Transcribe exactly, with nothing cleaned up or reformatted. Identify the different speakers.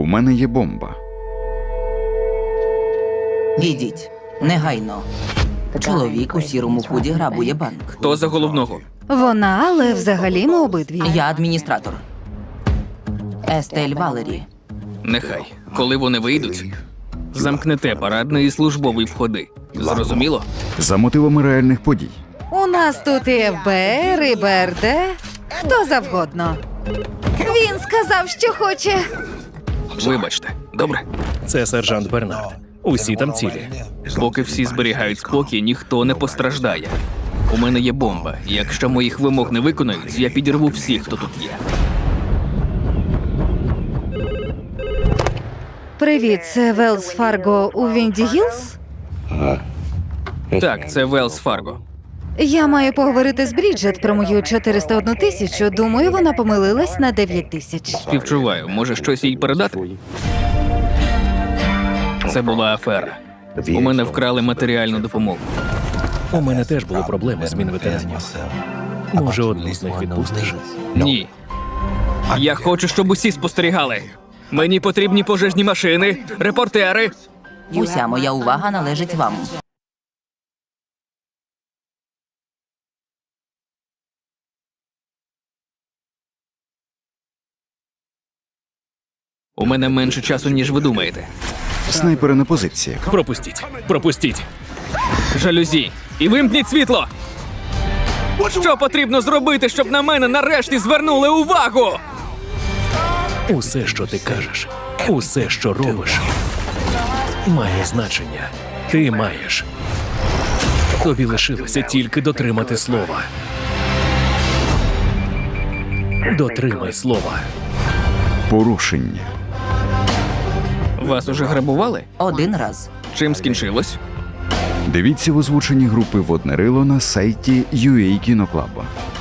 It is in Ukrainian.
Speaker 1: мене є бомба.
Speaker 2: Ідіть. Негайно. Чоловік у сірому худі грабує банк.
Speaker 3: Хто за головного?
Speaker 4: Вона, але взагалі ми обидві.
Speaker 2: Я адміністратор. Естель Валері.
Speaker 3: Нехай. Коли вони вийдуть, замкнете парадний і службовий входи. Зрозуміло?
Speaker 1: За мотивами реальних подій.
Speaker 4: У нас тут і еф бе ер, і бе ер де, хто завгодно. Він сказав, що хоче.
Speaker 3: Вибачте. Добре?
Speaker 5: Це сержант Бернард. Усі там цілі.
Speaker 3: Поки всі зберігають спокій, ніхто не постраждає. У мене є бомба. Якщо моїх вимог не виконають, я підірву всіх, хто тут є.
Speaker 4: Привіт, це Велс Фарго у Вінді Гілз?
Speaker 3: Так, це Велс Фарго.
Speaker 4: Я маю поговорити з Бріджет про мою чотириста одну тисячу. Думаю, вона помилилась на дев'ять тисяч.
Speaker 3: Співчуваю, може щось їй передати? Це була афера. У мене вкрали матеріальну допомогу.
Speaker 5: У мене теж були проблеми з мінветеранів. Може, одну з них відпустиш?
Speaker 3: Ні. Я хочу, щоб усі спостерігали. Мені потрібні пожежні машини, репортери.
Speaker 2: Уся моя увага належить вам.
Speaker 3: У мене менше часу, ніж ви думаєте.
Speaker 1: Снайпери на позиціях.
Speaker 5: Пропустіть! Пропустіть!
Speaker 3: Жалюзі. І вимкніть світло! Що потрібно зробити, щоб на мене нарешті звернули увагу?
Speaker 5: Усе, що ти кажеш, усе, що робиш, має значення. Ти маєш. Тобі лишилося тільки дотримати слова. Дотримай слова.
Speaker 1: Порушення.
Speaker 3: Вас уже грабували?
Speaker 2: Один раз.
Speaker 3: Чим скінчилось?
Speaker 1: Дивіться в озвученні групи «Водне рило» на сайті ю ей Кіноклаба.